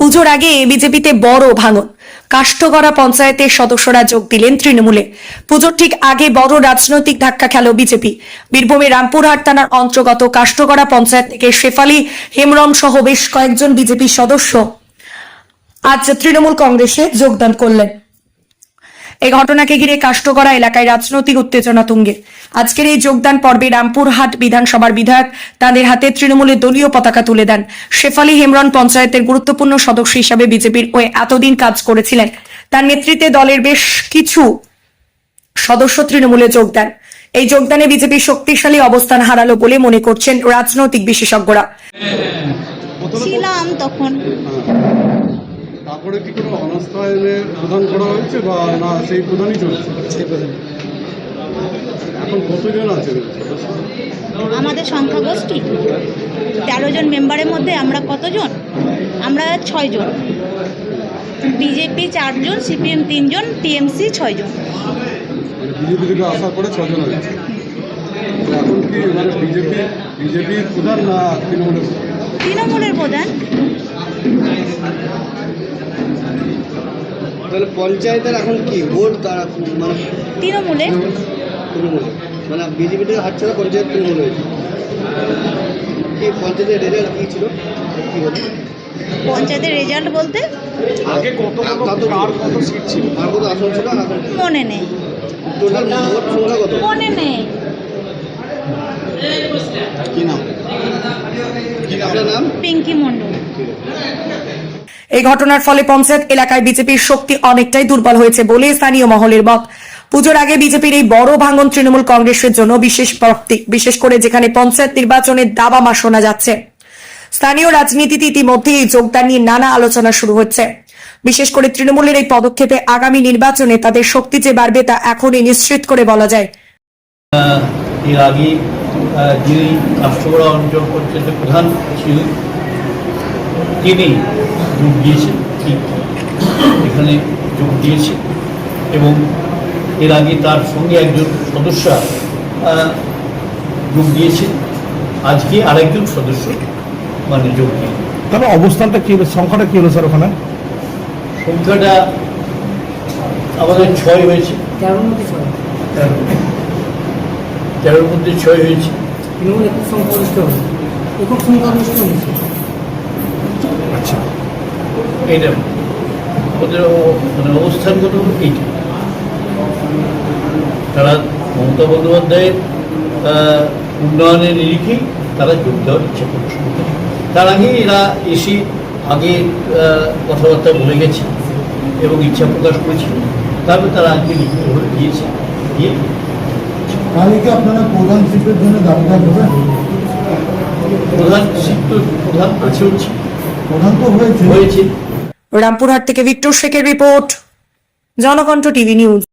পুজোর আগে বিজেপিতে বড় ভাঙন। কাষ্ঠগড়া পঞ্চায়েতের সদস্যরা যোগ দিলেন তৃণমূলে। পুজোর ঠিক আগে বড় রাজনৈতিক ধাক্কা খেল বিজেপি। বীরভূমের রামপুরহাট থানার অন্তর্গত কাষ্ঠগড়া পঞ্চায়েত থেকে শেফালি হেমব্রম সহ বেশ কয়েকজন বিজেপি সদস্য আজ তৃণমূল কংগ্রেসে যোগদান করলেন। এই ঘটনাকে ঘিরে কাষ্ঠগড়া এলাকায় রাজনৈতিক উত্তেজনা তুঙ্গে। আজকের এই যোগদান পর্বে রামপুরহাট বিধানসভার বিধায়ক তাদের হাতে তৃণমূলের দলীয় পতাকা তুলে দেন। শেফালি হেমব্রম পঞ্চায়েতের গুরুত্বপূর্ণ সদস্য হিসাবে বিজেপির হয়ে এতদিন কাজ করেছিলেন। তার নেতৃত্বে দলের বেশ কিছু সদস্য তৃণমূলে যোগ দেন। এই যোগদানে বিজেপি শক্তিশালী অবস্থান হারালো বলে মনে করছেন রাজনৈতিক বিশেষজ্ঞরা। ছিলাম তখন। তারপরে কি কোনো অনাস্থায়নে প্রদান করা হয়েছে বা না সেই প্রদানই চলছে? এখন কতজন আছে? আমাদের সংখ্যাগোষ্ঠী 13 জন মেম্বারের মধ্যে আমরা কতজন? আমরা 6 জন। বিজেপি 4 জন, সিপিএম 3 জন, টিএমসি 6 জন। বিজেপি থেকে আশা করে 6 জন হয়েছে। এখন কি মানে বিজেপির প্রধান না তৃণমূলের প্রধান? তাহলে পঞ্চায়েতের এখন কি ভোট তারা মানে তৃণমূলে মানে বিজেপি থেকে হাত ছাড়া পঞ্চায়েত তৃণমূল হয়েছে। কি পঞ্চায়েতের রেজাল্ট কী ছিল? কী হতো পঞ্চায়েতের রেজাল্ট বলতে আগে কত সিট ছিল আর কত আসন ছিল? এখন মনে নেই। টোটাল ভোট সংখ্যা কত মনে নেই। কি নাম? আপনার নাম? পিঙ্কি মণ্ডল। এই ঘটনার ফলে পঞ্চায়েত এলাকায় বিজেপির শক্তি অনেকটাই দুর্বল হয়েছে বলে স্থানীয় মহলের মত। পুজোর আগে বিজেপির এই বড় ভাঙন তৃণমূল কংগ্রেসের জন্য বিশেষ প্রাপ্তি, বিশেষ করে যেখানে পঞ্চায়েত নির্বাচনের দাবামা শোনা যাচ্ছে। স্থানীয় রাজনীতিতে ইতিমধ্যে এই যোগদান নিয়ে নানা আলোচনা শুরু হচ্ছে। বিশেষ করে তৃণমূলের এই পদক্ষেপে আগামী নির্বাচনে তাদের শক্তি যে বাড়বে তা এখনই নিশ্চিত করে বলা যায়। এর আগে যিনি কাষ্ঠগড়া অঞ্চল পঞ্চায়েতের প্রধান ছিলেন তিনি যোগ দিয়েছেন, ঠিক এখানে যোগ দিয়েছে এবং এর আগে তার সঙ্গে একজন সদস্য যোগ দিয়েছে। আজকে আরেকজন সদস্য মানে যোগ দিয়ে। তবে অবস্থানটা কি হলো, সংখ্যাটা কি হলো স্যার? ওখানে সংখ্যাটা আমাদের 6 হয়েছে। 13-র মধ্যে 6 হয়েছে। আচ্ছা, এইটা ওদের মানে অবস্থানগত এইটা। তারা মমতা বন্দ্যোপাধ্যায়ের উন্নয়নের নিরিখেই তারা যোগ দেওয়ার ইচ্ছা প্রকাশ করতে। তার আগে এরা এসে আগে কথাবার্তা বলে গেছে এবং ইচ্ছা প্রকাশ করেছিল। তারপরে তারা আজকে লিখিতভাবে দিয়েছে। দিয়ে তাহলে কি আপনারা প্রধান শিল্পের জন্য দাবিদার হবেন? প্রধান শিল্প প্রধান আছে, হচ্ছে প্রধান তো হয়েছে। রামপুরহাট থেকে ভিক্টর শেখের রিপোর্ট, জনকণ্ঠ টিভি নিউজ।